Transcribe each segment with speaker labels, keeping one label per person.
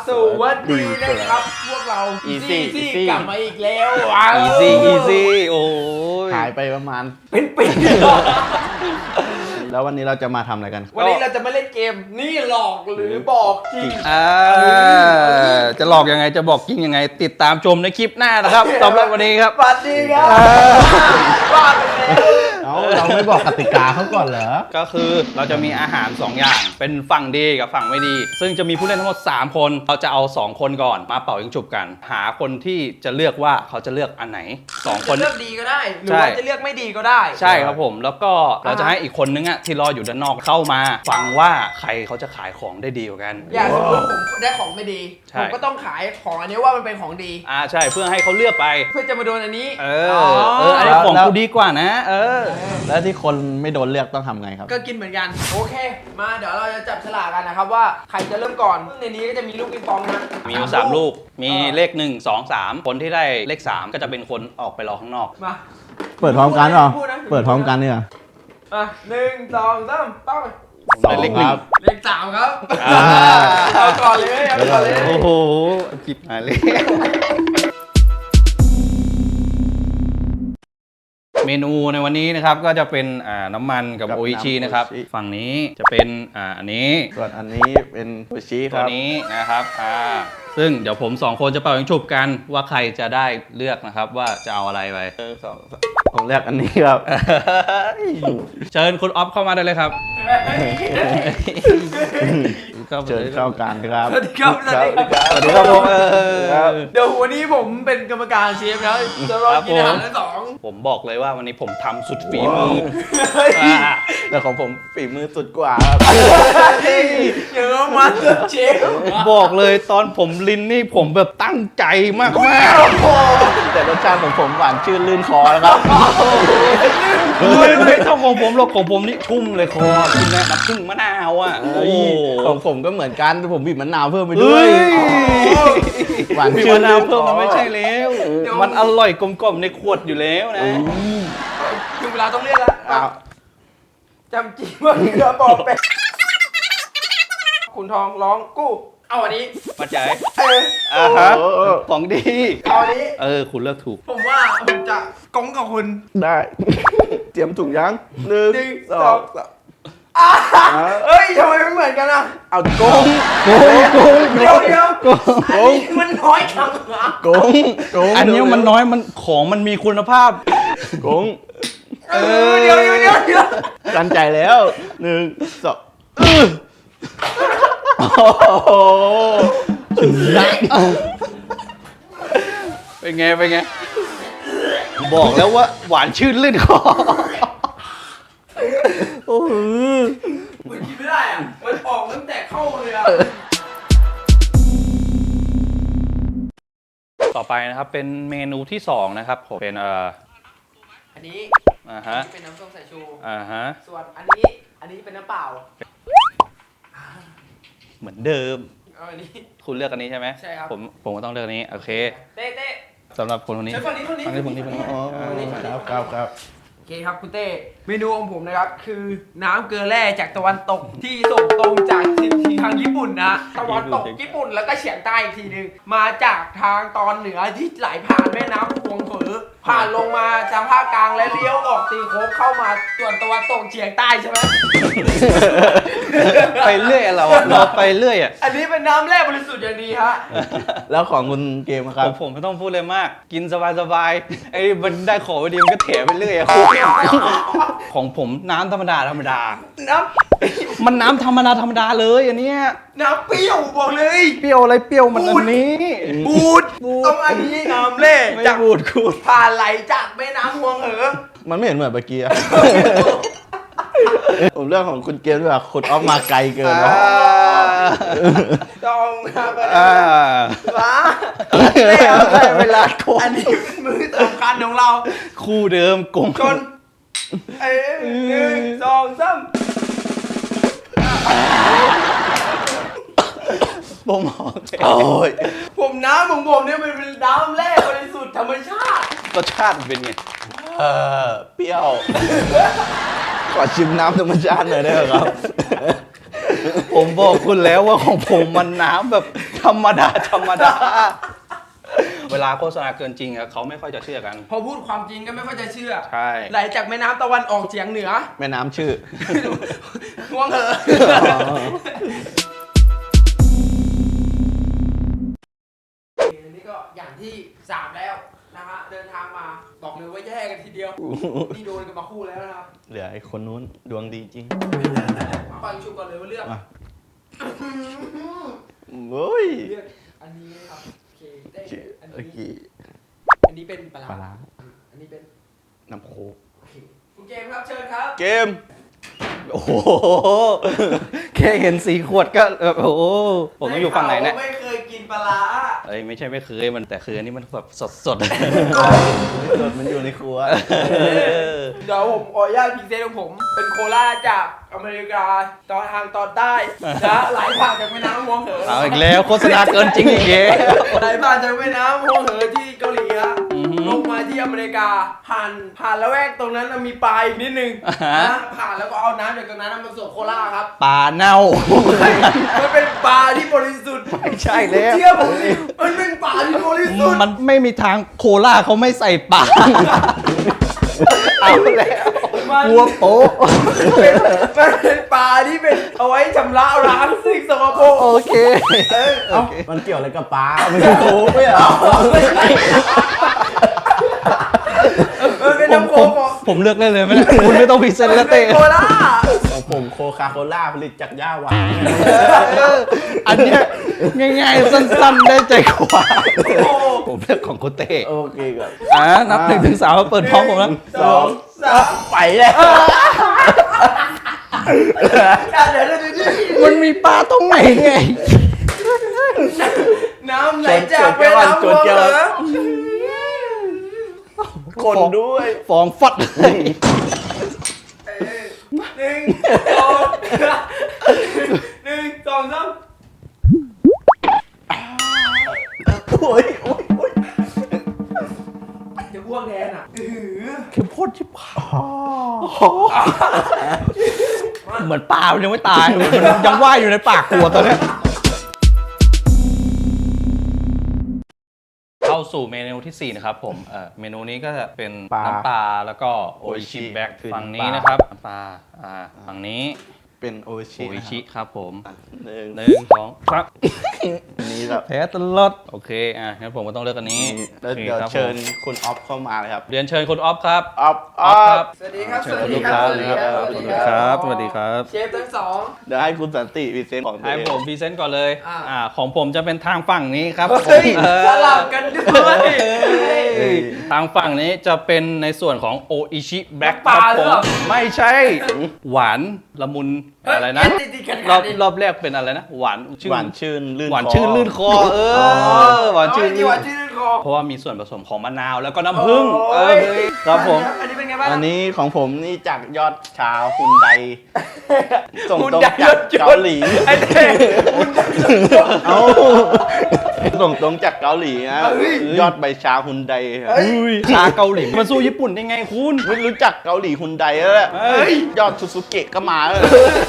Speaker 1: สวัสดีนะครับพวกเรา
Speaker 2: Easy
Speaker 1: กลับมาอีกแล้ว
Speaker 2: Easy โอ้ย
Speaker 3: หายไปประมาณ
Speaker 1: เป็นปี
Speaker 3: แล้ววันนี้เราจะมาทำอะไรกัน
Speaker 1: วันนี้เราจะมาเล่นเกมนี่หลอกหรือบอกจริง
Speaker 2: จะหลอกยังไงจะบอกจริงยังไง ติดตามชมในคลิปหน้านะครับสำหรับวันนี้ครับ
Speaker 1: สวัสดีครับบ้าไปแล้ว
Speaker 3: เราไม่บอกกติกาเขาก่อนเหรอ
Speaker 2: ก็คือเราจะมีอาหาร 2 อย่างเป็นฝั่งดีกับฝั่งไม่ดี ซึ่งจะมีผู้เล่นทั้งหมด3 คนเราจะเอา2 คนก่อนมาเป่ายิงฉุบกัน หาคนที่จะเลือกว่าเขาจะเลือกอันไหน2 คน
Speaker 1: จะเลือกดีก็ได้หรือว่าจะเลือกไม่ดีก็ได้
Speaker 2: ใช่ครับผมแล้วก็เราจะให้อีกคนนึงอะที่รออยู่ด้านนอกเข้ามาฟังว่าใครเขาจะขายของได้ดีกว่ากัน
Speaker 1: อย่างสมมติผมได้ของไม่ดีผมก็ต้องขายของอันนี้ว่ามันเป็นของดี
Speaker 2: ใช่เพื่อให้เขาเลือกไป
Speaker 1: เพื่อจะมาโดนอันนี้
Speaker 2: อันนี้ของกูดีกว่านะ
Speaker 3: แล้วที่คนไม่โดนเลือกต้องทำไงครับ
Speaker 1: ก็กินเหมือนกันโอเคมาเดี๋ยวเราจะจับฉลากกันนะครับว่าใครจะเริ่มก่อนในนี้ก็จะมีลูกปิงปองนะ
Speaker 2: มีอยู่3 ลูกมีเลข1 2 3คนที่ได้เลข3ก็จะเป็นคนออกไปรอข้างนอก
Speaker 1: มา
Speaker 3: เปิดพร้อมกันเหรอเปิดพร้อมกันเนี่ย
Speaker 1: 1 2 3ป้าไป
Speaker 2: 2เลข1
Speaker 1: เลข3ครับเอาก่อนเลยเอาก่อนเลย
Speaker 2: โอ้โหจิบหายเลยเมนูในวันนี้นะครับก็จะเป็นน้ำมันกับโออิชินะครับฝั่งนี้จะเป็นอันนี้
Speaker 3: ส่วนอันนี้เป็นโออิชิครับ
Speaker 2: ตัวนี้นะครับซึ่งเดี๋ยวผม2 คนจะเป่ายิงฉุบกันว่าใครจะได้เลือกนะครับว่าจะเอาอะไรไป
Speaker 3: ผมเลือกอันนี้ครับ
Speaker 2: เชิญคุณออฟเข้ามาได้เลยครับ
Speaker 3: เชิญเข้ากันครับ
Speaker 1: สวัสดีครับสวัสดีครับ
Speaker 2: สวัสดีครับผม
Speaker 1: เดี๋ยววันนี้ผมเป็นกรรมการเชฟแล้วจะรอกินอาหารทั้ง2
Speaker 2: ผมบอกเลยว่าวันนี้ผมทำสุดฝีมือ
Speaker 3: แต่ของผมฝีมือสุดกว่าครับ
Speaker 1: เยอะมากเชฟ
Speaker 2: บอกเลยตอนผมลินนี่ผมแบบตั้งใจมาก
Speaker 3: แต่รสชาติของผมหวานชื่นลื่นคอนะครับ
Speaker 2: ไม่เท่าของผมหรอกของผมนี่ชุ่มเลยคอกินน้ำผึ้งมะนาว
Speaker 3: ของผมก็เหมือนกันผมบีบมะนาวเพิ่มไปด้วย
Speaker 2: หวานชื่นมะนาวเพิ่มมันไม่ใช่แล้วมันอร่อยกลมๆในขวดอยู่แล้วนะ
Speaker 1: ถึงเวลาต้องเรียกแล้วจำจริงว่าเรือบอกไปคุณทองร้องกู้เอาอันนี้
Speaker 2: มาจ่ายของดี
Speaker 1: เอาอันนี้
Speaker 2: คุณเลือกถูก
Speaker 1: ผมว่าผมจะก้องกับคุณ
Speaker 3: ได้เตรียมถุงยัง1 2 3
Speaker 1: เฮ้ยทำไมไม่เหมือนกันอ่ะ
Speaker 3: เอาโกง
Speaker 1: เดี๋ยวอันนี้มันน้อยจัง
Speaker 3: โกง
Speaker 2: อันนี้มันน้อยมันของมันมีคุณภาพ
Speaker 3: โกง
Speaker 1: เดี๋ยว
Speaker 3: ตั้งใจแล้ว1 2
Speaker 2: เป็นไงบอกแล้วว่าหวานชื่นลื่นคอ
Speaker 1: มันกินไม่ได้อ่ะมันออกตั้งแต่เข้าเลยอ่ะ
Speaker 2: ต่อไปนะครับเป็นเมนูที่2นะครับผมเป็น
Speaker 1: อันนี้เป็นน้ำส้มสายชูส่วนอันนี้เป็นน้ำเปล่า
Speaker 2: เหมือนเดิม
Speaker 1: อันนี้
Speaker 2: คุณเลือกอันนี้ใช่ไหม
Speaker 1: ใช่ครับ
Speaker 2: ผมก็ต้องเลือกอันนี้โอเค
Speaker 1: เต้
Speaker 2: สำหรับคนนี้
Speaker 1: ฝั่งนี้
Speaker 3: ครับ
Speaker 1: โอเคครับคุณเต้เมนูของผมนะครับคือน้ำเกลือแร่จากตะวันตกที่ส่งตรงจากทางญี่ปุ่นนะตะวันตกญี่ปุ่นแล้วก็เฉียงใต้อีกทีนึงมาจากทางตอนเหนือที่ไหลผ่านแม่น้ำพวงเถอผ่านลงมาทางภาคกลางและเลี้ยวออกตีโค้งเข้ามาส่วนตะวันตกเฉียงใต้ใช่ไหม
Speaker 2: ไปเรื่อยเราไปเรื่อยอ่ะ
Speaker 1: อันนี้เป็นน้ำแร่บริสุทธิ์อย่างดีฮะ
Speaker 3: แล้วของคุณเกมครับ
Speaker 2: ผมไม่ต้องพูดเลยมากกินสบายไอ้มันได้ของดีมันก็เถไปเรื่อยของผมน้ำธรรมดามันน้ำธรรมดาเลยอันนี้
Speaker 1: น้ำเปรี้ยวบอกเลย
Speaker 2: เปรี้ยวอะไรเปรี้ยวมันอันนี้
Speaker 1: บูดต้องอันนี้น้ำเล่จาก
Speaker 2: บูด
Speaker 1: ผ่านไหลจากแม่น้ำพวง
Speaker 3: มันไม่เห็นเหมือนเมื่อกี้ผมเรื่องของคุณเกมด้วยว่าคุณออฟมาไกลเกิน
Speaker 1: ต้องมา
Speaker 3: เวลาโกง
Speaker 1: อันนี้มือสำคัญของเรา
Speaker 2: คู่เดิมกง
Speaker 1: ชน1 2 3
Speaker 2: ผม
Speaker 1: ผมน้ำของผมเนี่ยมันเป็นน้ำแร่บริสุทธิ์ธรรมชาติ
Speaker 2: รสชาติเป็นไง
Speaker 3: เปรี้ยวขอชิมน้ำธรรมชาติหน่อยได้ไหมครับ
Speaker 2: ผมบอกคุณแล้วว่าของผมมันน้ำแบบธรรมดาธรรมดา เวลาโฆษณาเกินจริงอะเขาไม่ค่อยจะเชื่อกัน
Speaker 1: พอพูดความจริงก็ไม่ค่อยจะเชื่อ
Speaker 2: ใช่
Speaker 1: ไหลจากแม่น้ำตะวันออกเฉียงเหนือ
Speaker 3: แม่น้ำชื่อ
Speaker 1: ห่วงเหอะอันนี้ก็อย่างที่ 3 แล้วนะฮะเดินทางมาบอกเลยว่าแย่กันทีเดียวนี่โดนกันมาคู่แล้วนะครับ
Speaker 3: เหลือไอ้คนนู้นดวงดีจริง
Speaker 1: มาฟังชุบก่อนเลยว่าเลือก
Speaker 3: มา โอ้ย
Speaker 1: เลือกอันนี้นะครับโอเคได้อัน
Speaker 3: โอเค
Speaker 1: นี้อันนี้เป็นปลา
Speaker 3: ปลา
Speaker 1: ร้า
Speaker 3: ร้า
Speaker 1: อันนี้เป็น
Speaker 3: น้ำโคก
Speaker 1: โอเคคุณเกมครับเชิญครับ
Speaker 3: เกม
Speaker 2: โอ้โห แค่เห็นสีขวดก็โอ้โห ผมต้องอยู่ฝั่งไหนเนี่ย
Speaker 1: ด้ข่าวว่าไม่เคยกินปลาร้า
Speaker 2: เอ้ยไม่ใช่ไม่เคยมันแต่คืออันนี้มันแบบสด
Speaker 3: สดมันอยู่ในครัว
Speaker 1: เดี๋ยวผมขออนุญาตพรีเซนต์ของผม เป็นโคลาจากอเมริกาตอนทางตอนใต้นะไหลผ่านจากแม่น้ำฮวงเหอ
Speaker 2: เอาอีกแล้วโฆษณาเกินจริงอีกแล้ว
Speaker 1: ไหลผ่านจากแม่น้ำฮวงเหอที่เกาหลีฮะ
Speaker 2: อือฮึ
Speaker 1: ลงมาที่อเมริกาผ่านละแวกตรงนั้นมีปลาอีกนิดนึง
Speaker 2: อ่าฮะ
Speaker 1: นะผ่านแล้วก็เอาน้ำจากตรงนั้นมาผสมโคลาครับ
Speaker 2: ปลาเน่า
Speaker 1: มันเป็นปลาที่บริสุทธิ์
Speaker 2: ไม่ใช่แล้ว
Speaker 1: เชื่อผมดิมันเป็นปลาที่บริสุทธิ์
Speaker 2: มันไม่มีทางโคล่าเขาไม่ใส่ปลา เอาแล้ว
Speaker 1: มัน
Speaker 2: กลัวโป๊ะ
Speaker 1: มันเป็นปลาที่เป็นเอาไว้ชำระล้างสิ่งสกปรก
Speaker 2: โอเค
Speaker 3: เอ้ามันเกี่ยวอะไรกับปลาไม่ใช่โคกไม่เหรอ
Speaker 1: มันเป็นน้ำโคก
Speaker 2: ผมเลือกได้เลยไหมเนี่ยคุณไม่ต้องพรีเซนต์แล้วเต้
Speaker 1: โคลา
Speaker 3: ของผมโคคาโคล่าผลิตจากหญ้าหวาน
Speaker 2: อันเนี้ยง่ายๆสั้นๆได้ใจกว่าผมเลือกของคุณเต้
Speaker 3: โอเคก่อน
Speaker 2: นับ1 ถึง 3มาเปิดพร้อมผมแล้ว
Speaker 3: 2 3ไปแล้ว
Speaker 1: เดี๋ยว
Speaker 2: มันมีปลาตรงไหนไง
Speaker 1: น้ำไหลจากแม่น้ำฮวงเหอ
Speaker 3: คนด้วย
Speaker 2: ฟองฟัด
Speaker 1: หนึ่งสองหนึ่งสองสาม
Speaker 3: โอ้ยโอ้ยโอ้ย
Speaker 1: จะอ้วกแทนอ่ะ
Speaker 2: เข้มข้นชิบหายเหมือนปลามันยังไม่ตายมันยังว่ายอยู่ในปากขวดตอนเนี้ยเข้าสู่เมนูที่ 4 นะครับผมเมนูนี้ก็จะเป็นน้ำปลาแล้วก็โออิชิแบ็กฝั่งนี้นะครับน้ำปลาฝั่งนี้
Speaker 3: เป็นโอ
Speaker 2: โอ
Speaker 3: ชิ
Speaker 2: อิชิครับผม
Speaker 3: หนึ่ง
Speaker 2: 1 2ครับ
Speaker 3: นี่ครับ
Speaker 2: แพ้ตลอดโอเคงั้นผมก็ต้องเลือกอันนี้
Speaker 3: แล้ว
Speaker 2: โอค
Speaker 3: เดี๋ยว
Speaker 2: ครับผม
Speaker 3: เชิญคุณออฟเข้ามาเลยครับ
Speaker 2: เรียนเชิญคุณออฟครับ
Speaker 3: ออฟ
Speaker 2: ออฟครับ
Speaker 1: สวัสดีครับ
Speaker 2: เชิญคุณลูกค้าเลยครับสวัสดีครับ สวัสดีครับ
Speaker 1: เชฟทั้งสอง
Speaker 3: เดี๋ยวให้คุณสันติพรีเซนต์ของตัว
Speaker 2: ให้
Speaker 3: เอง
Speaker 2: ผมพรีเซนต์ก่อนเลย
Speaker 1: อ่า
Speaker 2: ของผมจะเป็นทางฝั่งนี้ครับ
Speaker 1: เฮ้ย
Speaker 2: ผม
Speaker 1: สลับกันด้วย
Speaker 2: เอ้ยทางฝั่งนี้จะเป็นในส่วนของโออิชิแบล็ก
Speaker 1: น้ำป
Speaker 2: ค
Speaker 1: ลา
Speaker 2: รับ
Speaker 1: หรื
Speaker 2: ผ
Speaker 1: อ
Speaker 2: ม
Speaker 1: เปล่า
Speaker 2: ไม่ใช่ หวานละมุนอะไรนะ
Speaker 1: ติดๆกัน
Speaker 2: รอบแรกเป็นอะไรนะ หวานชื่น
Speaker 3: หวานชื่นลื่น
Speaker 2: หวาน
Speaker 3: คอ
Speaker 2: ชื่นลื่นคอหวานชื่น
Speaker 1: หวานชื่นคอ
Speaker 2: เพราะว่ามีส่วนผสมของมะนาวแล้วก็น้ำผึ้ง
Speaker 1: โอ้ย
Speaker 2: ครับผม
Speaker 1: อันนี้เป็นไงบ้าง
Speaker 3: อันนี้ของผมนี่จากยอดชาวฮุนไดส่ง
Speaker 1: คุณ
Speaker 3: ตรง
Speaker 1: ได้
Speaker 3: จาก
Speaker 1: ยศยศ
Speaker 3: เกาหลี
Speaker 1: ไอ้เด็กคุณได้ยศยศ
Speaker 3: เอาส่งตรงจากเกาหลีนะ
Speaker 1: เฮ้ย
Speaker 3: ยอดใบชาฮุนไดครับ
Speaker 1: เฮ้ย
Speaker 2: อุ้ยชาเกาหลีมันสู้ญี่ปุ่นได้ไงคุณ
Speaker 3: ไม่รู้จักเกาหลีฮุนไดแล้วแหละ
Speaker 2: เฮ้ย
Speaker 3: ยอดซูซูเกะก็มาแล้ว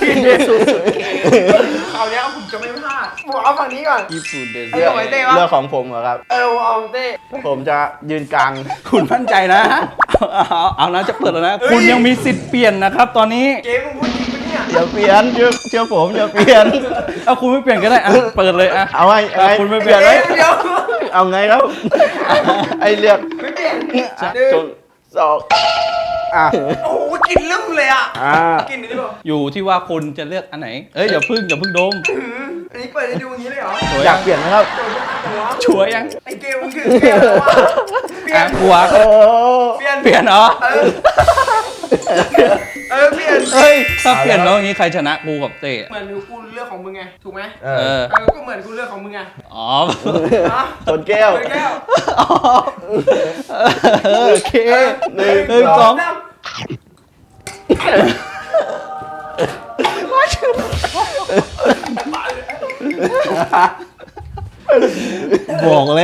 Speaker 1: คราวนี้ผมจะไม่พลาดผมเอาฝั่งนี้ก่อน
Speaker 2: ญี่ปุ่นเด
Speaker 1: ไอ้หน่อยเต้วะ
Speaker 3: เรื่องของผมเหรอครับ
Speaker 1: เอาเต้
Speaker 3: ผมจะยืนกลาง
Speaker 2: คุณมั่นใจนะ เอานะจะเปิดแล้วนะ
Speaker 1: เฮ้ย
Speaker 2: คุณยังมีสิทธิ์เปลี่ยนนะครับตอนนี้
Speaker 1: เกมมึงพูดจริงปะเนี่ย
Speaker 3: อย่าเปลี่ยนเชื่อผมอย่าเปลี่ยน
Speaker 2: เอาคุณไม่เปลี่ยนก็ได้อ่ะเปิดเลยอ่ะ
Speaker 3: เอาไง
Speaker 2: คุณไม่เปลี่ยน
Speaker 1: เดี๋ยว
Speaker 3: เอาไงครับ ไอเลือก
Speaker 1: ไม่เปลี่ยน
Speaker 3: จนสองอ่ะ
Speaker 1: โอ้โหกลินลืมเลยอ่ะ
Speaker 3: อ่า
Speaker 1: กลินนี่แบบ
Speaker 2: อยู่ที่ว่าคุณจะเลือกอันไหน เอ้ยอย่าพึ่งดม
Speaker 1: อันนี้เปิดให้ดูอย่างนี้เลยเหรอ
Speaker 3: อยากเปลี่ยนไหมครับ
Speaker 2: ชัวร์ยัง
Speaker 1: ไอ้เกมมึงคือเกมแล้ววะเปลี่ย
Speaker 2: อ่ะ
Speaker 1: น
Speaker 2: หัว
Speaker 3: โอ้
Speaker 1: เปลี่ยน
Speaker 2: เปลี่ยนเหรอ
Speaker 1: เปลี่ยน
Speaker 2: เฮ้ยถ้าเปลี่ยนแล้วอย่างนี้ใครชนะกูกับเต้
Speaker 1: เหมือนกูเลือกของมึงไงถูกไหม
Speaker 3: เอ
Speaker 2: เอ
Speaker 3: อ
Speaker 2: อ
Speaker 1: ก็เหมือนกูเลือกของมึงไง
Speaker 2: อ๋อ
Speaker 1: ฮะ
Speaker 3: ชนแก้ว
Speaker 1: แก้ว
Speaker 2: โอเค
Speaker 3: หนึ่ง
Speaker 2: หนึ่งสอง
Speaker 1: สาม
Speaker 2: บอกเลย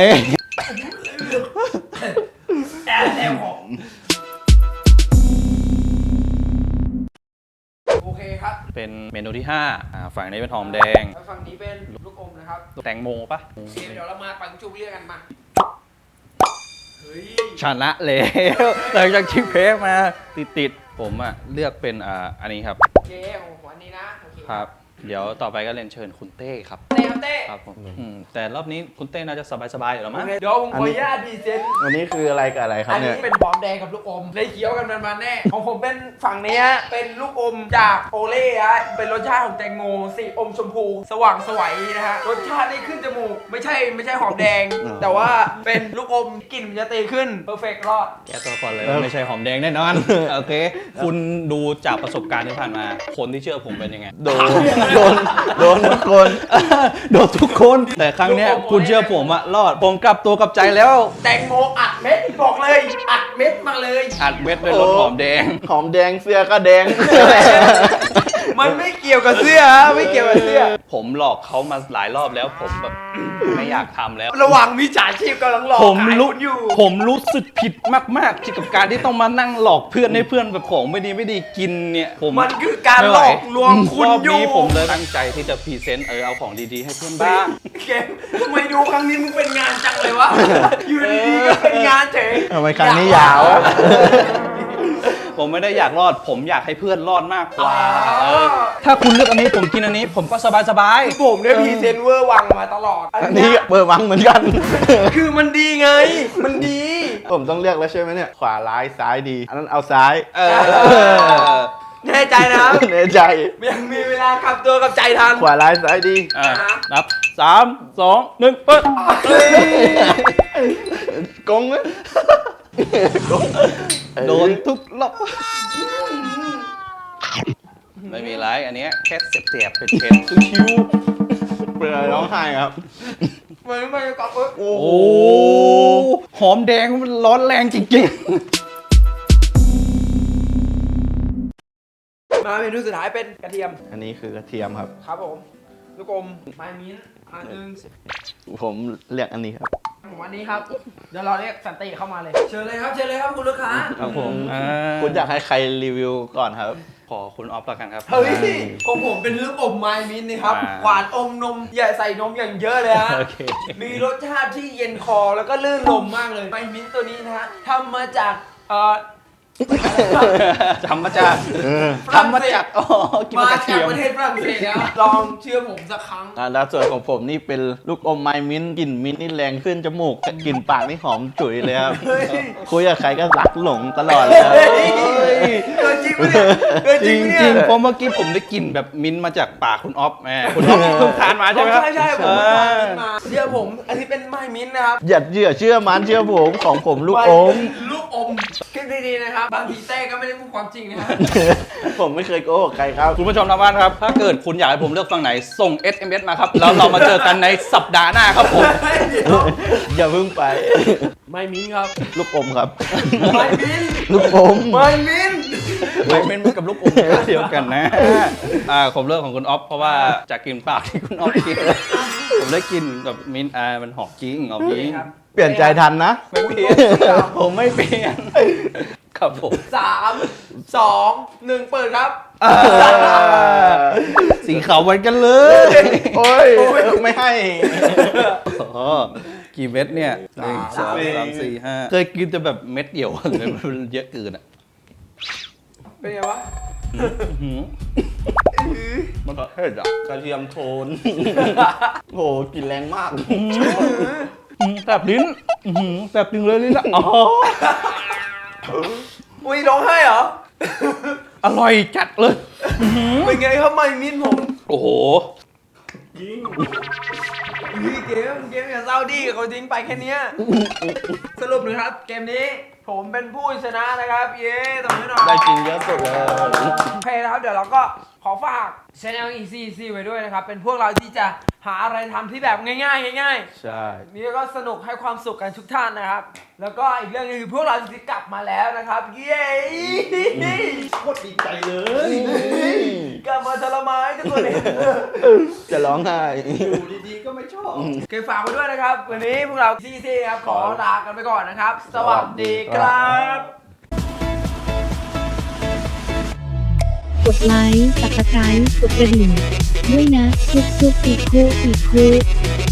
Speaker 1: แอบของโอเคครับ
Speaker 2: เป็นเมนูที่5ฝั่งนี้เป็นหอมแดง
Speaker 1: แล้วฝั่งนี้เป็นลูกอมนะครับ
Speaker 2: แตงโมปะ
Speaker 1: โอเคเดี๋ยวเรามาปังจุบเรียกกันมาเฮ้ย
Speaker 2: ชนะแล้วหลังจากชิมเค้กมาติดๆผมอ่ะเลือกเป็นอันนี้ครับ
Speaker 1: โอเคของผมอันนี้นะโอเค
Speaker 2: ครับ เดี๋ยวต่อไปก็เรียนเชิญคุณเต้ครับ
Speaker 1: เต้ครับเต้
Speaker 2: ครับผมแต่รอบนี้คุณเต้น่าจะสบายๆอยู่แล้ว
Speaker 1: โอ
Speaker 2: มั้ง
Speaker 1: เคเดี๋ยวผมขออนุญาตพรีเซนต์
Speaker 3: วันนี้คืออะไรกับอะไรครับ
Speaker 1: อัน
Speaker 3: เนี่
Speaker 1: นี้
Speaker 3: ย
Speaker 1: เป็นหอมแดงกับลูกอมได้เคี้ยวกันมันๆแน่ ของผมเป็นฝั่งนี้ฮะเป็นลูกอมจากโอเล่ฮะเป็นรสชาติของแตงโมสีอมชมพูสว่างไสวัยนะฮะรสชาตินี่ขึ้นจมูกไม่ใช่หอมแดง แต่ว่าเป็นลูกอมกลิ่นมันจะตีขึ้นเพอร์เฟกต์รอด
Speaker 2: แกตัวก่อนเลยว่าไม่ใช่หอมแดงแน่นอน โอเค คุณดูจากประสบการณ์ที่ผ่านมา คนที่เชื่อผมเป็นยังไง
Speaker 3: โดนทุกคน
Speaker 2: โดนทุกคน แต่ครั้งเนี้ยคุณเชื่อผมอะรอด ผมกลับตัวกลับใจแล้ว
Speaker 1: แตงโมอัดเม็ดบอกเลยอัดเม็ดมาเลย
Speaker 2: อัดเม็ดด้วยรสหอมแดง
Speaker 3: หอมแดงเสื้อก็แดง
Speaker 1: มันไม่เกี่ยวกับเสื้อฮะไม่เกี่ยวกับเสื้อ
Speaker 2: ผมหลอกเขามาหลายรอบแล้ว ผมแบบ ไม่อยากทำแล้ว
Speaker 1: ระหว่างมิจฉาชีพกำลังหลอก
Speaker 2: ผม
Speaker 1: ขาย
Speaker 2: รู้
Speaker 1: คุณอยู่
Speaker 2: ผมรู้สึกผิดมากๆที่กับการที่ต้องมานั่งหลอกเพื่อนให้เพื่อนแบบของไม่ดีกินเนี่ยผม
Speaker 1: มันคือการหลอกลวงคุณ
Speaker 2: รอบ
Speaker 1: อยู่
Speaker 2: นี้ผมเลยตั้งใจที่จะพรีเซนต์เอาของดีๆให้เพื่อนบ้าง
Speaker 1: เกมทำไมดูครั้งนี้มึงเป็นงานจังเลยวะ อยู่ดีๆก็เป็นงานเฉย
Speaker 3: ทำไมครั้งนี้ยาวอะ
Speaker 2: ผมไม่ได้อยากรอด ผมอยากให้เพื่อนรอดมากกว่า
Speaker 1: อ๋อ
Speaker 2: ถ้าคุณเลือกอันนี้ผมกินอันนี้ ผมก็สบาย
Speaker 1: ผมเนี่ยพรีเซนต์เวอร์วังมาตลอด
Speaker 3: อันนี้เบอร์วังเหมือนกัน
Speaker 1: คือมันดีไง มันดี
Speaker 3: ผมต้องเลือกแล้วใช่ไหมเนี่ย ขวาร้ายซ้ายดี อันนั้นเอาซ้าย
Speaker 2: ๆ
Speaker 1: แน่ใจนะครับ
Speaker 3: ในใจ
Speaker 1: ยังมีเวลากลับตัวกับใจทัน
Speaker 3: ขวาร้ายซ้ายดี
Speaker 2: นับ 3 2 1เปิด
Speaker 3: กงไหมกง
Speaker 2: โดนทุกรอบไม่มีไรอันเนี้ยแค่เสียบๆเป็นเค็มชิว
Speaker 3: เปลือยร้องไห้ครับ
Speaker 1: มันไม่กลับเอ้ย
Speaker 3: โอ้
Speaker 2: ๆ
Speaker 3: โห
Speaker 2: โอ้หอมแดงมันร้อนแรงจริง
Speaker 1: มาเมนูสุดท้ายเป็นกระเทียม
Speaker 3: อันนี้คือกระเทียมครับ
Speaker 1: ครับผม ลูกอมไมมิ้นท์อันหนึง
Speaker 3: ผมเรียกอันนี้ครับ
Speaker 1: ผมอันนี้ครับ เดี๋ยวเราเรียกสันติเข้ามาเลย เชิญเลยครับ เชิญเลยครับคุณลูกค้า
Speaker 2: ๆ ครับผม
Speaker 3: คุณอยากให้ใครรีวิวก่อนครับ
Speaker 2: ขอคุณออฟแล้วกันครับ
Speaker 1: เฮ้ยของผมเป็นลูกอมไมมิ้นท์นะครับ
Speaker 2: อ่า
Speaker 1: หวานอมนมอย่าใส่นมอย่างเยอะเลยฮะ
Speaker 2: โอเค
Speaker 1: มีรสชาติที่เย็นคอแล้วก็ลื่นลมมากเลย ไมมิ้นท์ตัวนี้นะฮะทำมาจาก
Speaker 2: ทำมาจาก
Speaker 1: ฝรั่งเศส
Speaker 2: อ๋อกิน
Speaker 1: มา
Speaker 2: กับกระ
Speaker 1: จา
Speaker 2: เที
Speaker 1: ก
Speaker 2: ยม
Speaker 1: ประเทศฝรั่งเศสแล้วลองเชื่อผมสักครั้ง
Speaker 3: แล้วส่วนของผมนี่เป็นลูกอมไมมิ้นท์กลิ่นมิ้นท์นี่แรงขึ้นจมูกแต่กลิ่นปากนี่หอมฉุยเลยครับ
Speaker 1: เฮ้ย
Speaker 3: คุยกับใครก็รักหลงตลอดเลยครับ
Speaker 1: เฮ้ยเกินจริงปะเนี่ยเกิน
Speaker 2: จ
Speaker 1: จริ
Speaker 2: ริ
Speaker 1: ง
Speaker 2: ง
Speaker 1: ปะ
Speaker 2: จริ
Speaker 1: เนี่
Speaker 2: ง
Speaker 1: ย
Speaker 2: เพราะเมื่อกี้ผมได้กลิ่นแบบมิ้นท์มาจากปากคุณออฟแหมคุณออฟเพิ่งทานมาใช่ไหมครับ
Speaker 1: ใช่ผมทานมิ้นท์มาเชื่อผมอันนี้เป็นไมมิ้นท์นะครับ
Speaker 3: อย่าเชื่อมันเชื่อผมของผมลูกอม
Speaker 1: ลูกอมคิดดีๆนะครับบางทีเต้ก็ไม่ได้พูดความจริงนะฮะ
Speaker 3: ผมไม่เคยโกหกใครครับ
Speaker 2: คุณผู้ชมทางบ้านครับ ถ้าเกิดคุณอยากให้ผมเลือกฝั่งไหน ส่ง SMS มาครับ แล้วเรามาเจอกันในสัปดาห์หน้าครับผม
Speaker 3: อย่าเพิ่งไป
Speaker 1: ไมมิ้นท์ครับ
Speaker 3: ลูกอมครับ
Speaker 1: ไมมิ้นท์
Speaker 3: ลูกอม
Speaker 1: ไมมิ้นท์
Speaker 2: ไม่เป็นกับลูกอมเดียวกันนะผมเลือกของคุณออฟเพราะว่าจากกลิ่นปากที่คุณออฟกินผมได้กลินแบบมิ้นท์มันหอมจริงหอมจริง
Speaker 1: ครับ
Speaker 3: เปลี่ยนใจทันนะ
Speaker 2: ไม่เปลี่ยนผมไม่เปลี่ยนครับผม
Speaker 1: 3 2 1 เปิดครับ
Speaker 2: สีขาวเหมือนกันเลย
Speaker 3: โอ้ยไม่ให้
Speaker 2: อ๋อกี่เม็ดเนี่ย1 2 3 4 5เคยกินแต่แบบเม็ดเดียวเลยมันเยอะเกินอ่ะ
Speaker 1: เป็นไงวะ
Speaker 3: มันเผ็ดอ่ะกระเทียมโทนโหกลิ่นแรงมาก
Speaker 2: แสบลิ้นแสบจริงเลยลิ้นอ่ะอ๋อ
Speaker 1: อุ้ยร้องไห้เหรอ
Speaker 2: อร่อยจัดเลย
Speaker 1: เป็นไงครับไมมิ้นท์ผม
Speaker 2: โอ้โห
Speaker 1: เกมอย่าเศร้าดิเขาทิ้งไปแค่เนี้ยสรุปนะครับเกมนี้ผมเป็นผู้ชนะนะครับ เย้ตบมือหน่อย
Speaker 3: ได้กินเยอะสุดเลย
Speaker 1: โอเคนะครับเดี๋ยวเราก็ขอฝาก Channel Easy ไว้ด้วยนะครับ เป็นพวกเราที่จะหาอะไรทำที่แบบง่ายๆง่าย
Speaker 3: ใช่
Speaker 1: ๆนี่ก็สนุกให้ความสุขกันทุกท่านนะครับ แล้วก็อีกเรื่องนึงคือพวกเราจะกลับมาแล้วนะครับ เย้
Speaker 3: โคตรดีใจเลย
Speaker 1: กลับมาทรมานทุกคนเลย
Speaker 3: จะร้องไห้
Speaker 1: อยู่ดีๆก็ไม่ชอบเก็บฝากไว้ด้วยนะครับ วันนี้พวกเราซี่ครับขอลากันไปก่อนนะครับ สวัสดีครับ
Speaker 4: กดไลค์ Subscribe กดกระดิ่งด้วยนะจุ๊บจุ๊บอีกคู่